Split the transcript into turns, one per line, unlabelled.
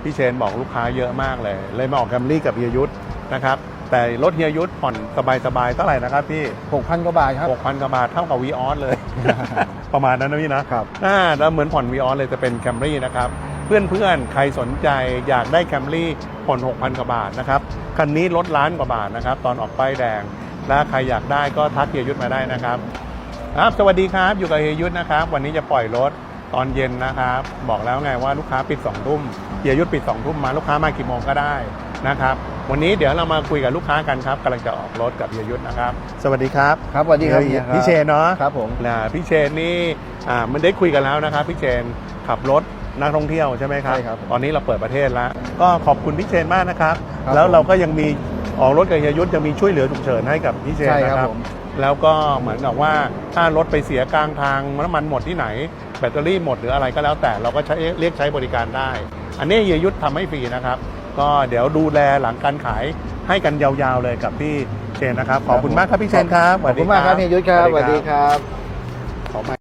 พี่เชนบอกลูกค้าเยอะมากเลยมาออกแคมรี่กับเฮียยุทธนะครับแต่รถเฮียยุทธผ่อนสบายๆเท่าไหร่นะครับพี่
6,000 กว่าบาทครับ
6,000 กว่าบาทเท่ากับวีออสเลย ประมาณนั้นนะพี่นะครับ แล้วเหมือนผ่อนวีออสเลยจะเป็นแคมรี่นะครับเพื่อนๆใครสนใจอยากได้แคมรี่ผ่อน 6,000 กว่าบาทนะครับคันนี้ลดล้านกว่าบาทนะครับตอนออกป้ายแดงและใครอยากได้ก็ทักเฮียยุทธมาได้นะครับสวัสดีครับอยู่กับเฮียยุทธนะครับวันนี้จะปล่อยรถตอนเย็นนะครับบอกแล้วไงว่าลูกค้าปิด2 ทุ่มเฮียยุทธปิด2 ทุ่มมาลูกค้ามากี่โมงก็ได้นะครับวันนี้เดี๋ยวเรามาคุยกับลูกค้ากันครับกำลังจะออกรถกับเฮียยุทธนะครับสวัสดีครับ
ครับสวัสดีครับ
พี่เชนเนาะ
ครับผม
พี่เชนนี่มันได้คุยกันแล้วนะครับพี่เชนขับรถนักท่องเที่ยวใช่ไหมครับ
ใช่ครับ
ตอนนี้เราเปิดประเทศแล้วก็ขอบคุณพี่เชนมากนะครับ
ครับ
แล้วเราก็ยังมีออกรถกับเฮียยุทธยังมีช่วยเหลือฉุกเฉินให้กับพี่เชน
ใช่
นะ
ค
ค
รั
รั
บบ ผม
แล้วก็เหมือนกับว่าถ้ารถไปเสียกลางทางน้ำมันหมดที่ไหนแบตเตอรี่หมดหรืออะไรก็แล้วแต่เราก็เรียกใช้บริการได้ อันนี้เฮียยุทธทำให้ฟรีนะครับก็เดี๋ยวดูแลหลังการขายให้กันยาวๆเลยกับพี่เชนนะครับขอบคุณมากครับพี่เชนครับ
ขอบคุณมากครับเฮียยุทธครับสวัสดีครับ
ขอมา